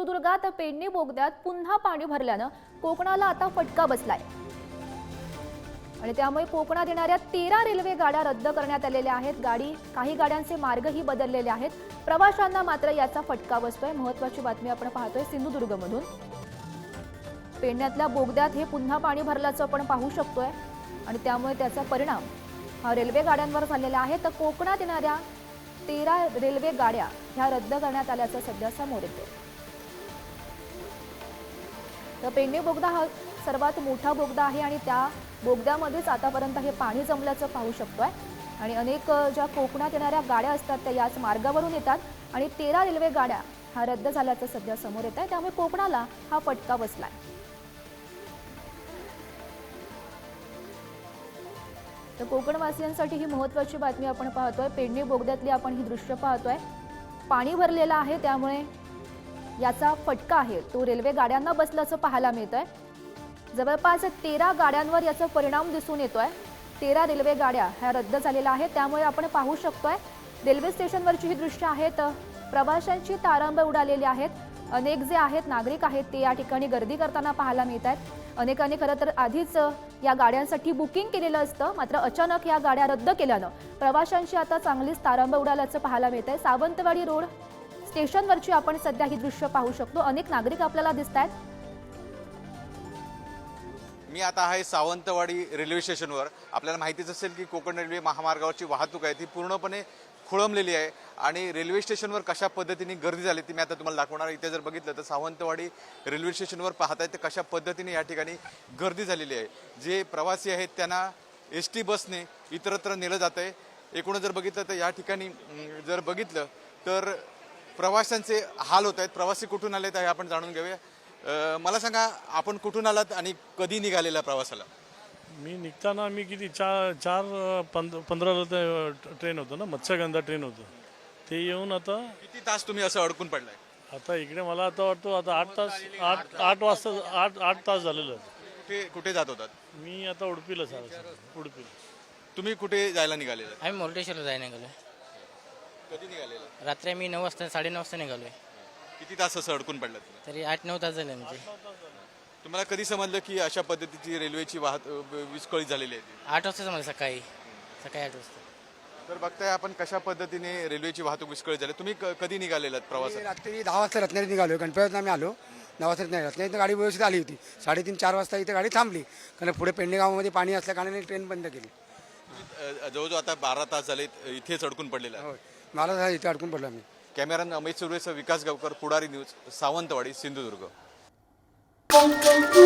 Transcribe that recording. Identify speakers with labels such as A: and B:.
A: सिंधुदुर्गात पेडणे बोगद्यात पुन्हा पाणी भरल्यानं कोकणाला आता फटका बसलाय आणि त्यामुळे कोकणात येणाऱ्या 13 रेल्वे गाड्या रद्द करण्यात आलेल्या आहेत। काही गाड्यांचे मार्गही बदललेले आहेत। प्रवाशांना मात्र याचा फटका बसतोय। महत्त्वाची बातमी आपण पाहतोय सिंधुदुर्गमधून। पेडण्यातल्या बोगद्यात हे पुन्हा पाणी भरल्याचं आपण पाहू शकतोय आणि त्यामुळे त्याचा परिणाम हा रेल्वे गाड्यांवर झालेला आहे। तर कोकणात येणाऱ्या 13 रेल्वे गाड्या ह्या रद्द करण्यात आल्याचं सध्या समोर येतंय। तर पेडणे बोगदा हा सर्वात मोठा बोगदा आहे आणि त्या बोगद्यामध्येच आतापर्यंत हे पाणी जमल्याचं पाहू शकतोय आणि अनेक ज्या कोकणात येणाऱ्या गाड्या असतात त्या याच मार्गावरून येतात आणि 13 रेल्वे गाड्या हा रद्द झाल्याचं सध्या समोर येत आहे। त्यामुळे कोकणाला हा फटका बसलाय। तर कोकणवासियांसाठी ही महत्त्वाची बातमी आपण पाहतोय। पेडणे बोगद्यातली आपण ही दृश्य पाहतोय। पाणी भरलेलं आहे त्यामुळे याचा फटका आहे तो रेल्वे गाड्यांना बसल्याचं पाहायला मिळतंय। जवळपास 13 गाड्यांवर याचा परिणाम दिसून येतोय। 13 रेल्वे गाड्या ह्या रद्द झालेल्या आहेत। त्यामुळे आपण पाहू शकतोय रेल्वे स्टेशनवरची ही दृश्य आहेत। प्रवाशांची तारांबळ उडालेली आहेत। अनेक जे आहेत नागरिक आहेत ते या ठिकाणी गर्दी करताना पाहायला मिळत आहेत। अनेकांनी खरं तर आधीच या गाड्यांसाठी बुकिंग केलेलं असतं, मात्र अचानक या गाड्या रद्द केल्यानं प्रवाशांची आता चांगलीच तारांबळ उडाल्याचं पाहायला मिळतंय। सावंतवाडी रोड स्टेशनवरची आपण सध्या ही दृश्य पाहू शकतो। अनेक नागरिक आपल्याला दिसतायत।
B: मी आता आहे सावंतवाडी रेल्वे स्टेशनवर। आपल्याला माहितीच असेल की कोकण रेल्वे महामार्गावरची वाहतूक आहे ती पूर्णपणे खोळंबलेली आहे आणि रेल्वे स्टेशनवर कशा पद्धतीने गर्दी झाली ती मी आता तुम्हाला दाखवणार। इथे जर बघितलं तर सावंतवाडी रेल्वे स्टेशनवर पाहताय तर कशा पद्धतीने या ठिकाणी गर्दी झालेली आहे। जे प्रवासी आहेत त्यांना एसटी बसने इतरत्र नेलं जात आहे। एकूण जर बघितलं तर या ठिकाणी जर बघितलं तर प्रवाशांचे हाल होत आहेत। प्रवासी कुठून आलेत हे आपण जाणून घेऊया। मला सांगा आपण कुठून आलात आणि कधी निघालेला प्रवासाला?
C: मी निघताना मी किती 4:15 ट्रेन होतं ना, मत्स्यगंधा ट्रेन होतं ते येऊन आता
B: किती तास तुम्ही असं अडकून पडलाय?
C: आता इकडे मला आता वाटतो आता 8 तास 8 वाजता 8 तास झालेलं आहे।
B: कुठे जात होतात?
C: मी आता उडपीला सर उडपीला।
B: तुम्ही कुठे जायला निघालेला?
D: आम्ही मुर्डेश्वरला जायला निघालोय।
B: कधी निघालेला?
D: रात्री आम्ही 9 वाजता 9:30 वाजता निघालोय।
B: किती तास असं अडकून पडलात?
D: तरी 8-9 तास झाले म्हणजे।
B: तुम्हाला कधी समजलं की अशा पद्धतीची रेल्वेची विस्कळीत झालेली आहे?
D: 8 वाजता समजलं सकाळी 8 वाजता।
B: तर बघताय आपण कशा पद्धतीने रेल्वेची वाहतूक विस्कळीत झाली। तुम्ही कधी निघालेलात प्रवासात?
E: रात्री 10 वाजता रत्नागिरीत निघालो। गणपतीत आम्ही आलो 9 वाजता रत्नागिरीत गाडी व्यवस्थित आली होती। 3:30-4 वाजता इथे गाडी थांबली कारण पुढे पेडणे गावामध्ये पाणी असल्या कारणाने ट्रेन बंद केली।
B: जवळजवळ आता 12 तास झाले इथेच अडकून पडलेला आहे।
E: होय, मला इथे अडकून पडलो मी।
B: कॅमेरामॅन अमित सुर्वेसह विकास गावकर, पुढारी न्यूज, सावंतवाडी, सिंधुदुर्ग।